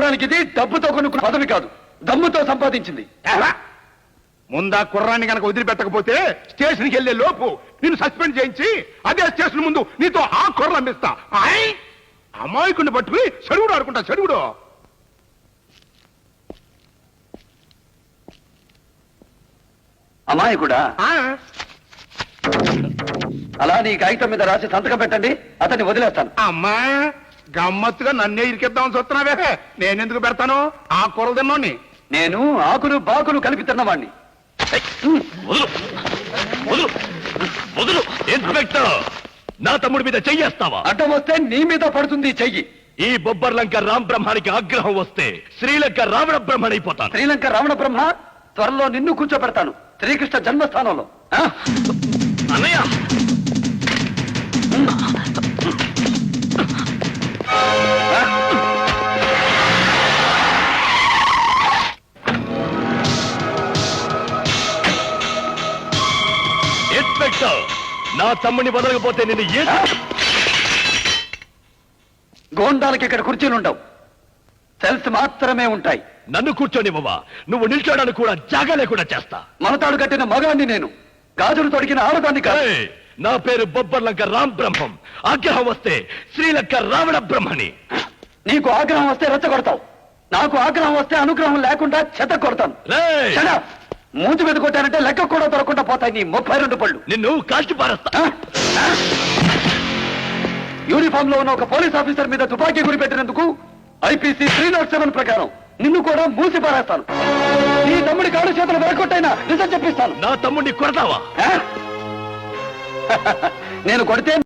నిజానికి ఇది డబ్బుతో కొనుక్కున్న పదవి కాదు, దమ్ముతో సంపాదించింది. ముందా కుర్రాన్ని కనుక వదిలిపెట్టకపోతే స్టేషన్కి వెళ్లే లోపు నిన్ను సస్పెండ్ చేయించి అదే స్టేషన్ ముందు నీతో ఆ కుర్రలు అమ్మిస్తా. అమాయకుడిని పట్టుకుని చెడుగుడు ఆడుకుంటా. చెడుగుడు అమాయకుడా? అలా నీ కాగితం మీద రాసి సంతకం పెట్టండి, అతన్ని వదిలేస్తాను. అమ్మా గమ్మత్తుగా నన్నే ఇరికిద్దామని చూస్తున్నావే. నేనెందుకు పెడతాను? ఆ కూరలు తిన్నోని. నేను ఆకులు బాకులు కలిపి తిన్నవాణ్ణి. ఇన్స్పెక్టర్, నా తమ్ముడి మీద చెయ్యేస్తావా? అడ్డం వస్తే నీ మీద పడుతుంది చెయ్యి. ఈ బొబ్బర్లంక రామ్ బ్రహ్మానికి ఆగ్రహం వస్తే శ్రీలంక రావణ బ్రహ్మణైపోతాను. శ్రీలంక రావణ బ్రహ్మ త్వరలో నిన్ను కూర్చోబెడతాను శ్రీకృష్ణ జన్మస్థానంలో. అన్నయ్య, ఇన్స్పెక్టర్, నా తమ్ముడిని వదలకపోతే నిన్ను గోండాలకి ఇక్కడ కుర్చీలుండవు, సెల్స్ మాత్రమే ఉంటాయి. నన్ను కూర్చోనివ్వవా? నువ్వు నిల్చోడానికి కూడా జాగా లేకుండా చేస్తా. మనతాడు కట్టిన మగాన్ని నేను, గాజులు తొడిగిన ఆడదాన్ని కాదు. ఏయ్, నా పేరు బొబ్బర్లంక రామ్ బ్రహ్మం. ఆగ్రహం వస్తే శ్రీలంక రావణ బ్రహ్మని. నీకు ఆగ్రహం వస్తే రెచ్చగొడతావు, నాకు ఆగ్రహం వస్తే అనుగ్రహం లేకుండా చెత్త కొడతాను. రేయ్, Shut up! మూతి మీద కొట్టానంటే లెక్క కూడా దొరకకుండా పోతాయి నీ 32 పళ్ళు. నిన్ను కాల్చి పారేస్తా. యూనిఫామ్ లో ఉన్న ఒక పోలీస్ ఆఫీసర్ మీద తుపాకీ గురి పెట్టినందుకు ఐపీసీ 307 ప్రకారం నిన్ను కూడా మూసి పారేస్తాను. నీ తమ్ముడి కాళ్ళు చేతులు వెరకొట్టైనా నిజం చెప్పిస్తాను. నా తమ్ముడిని కొడతావా? నేను కొడితే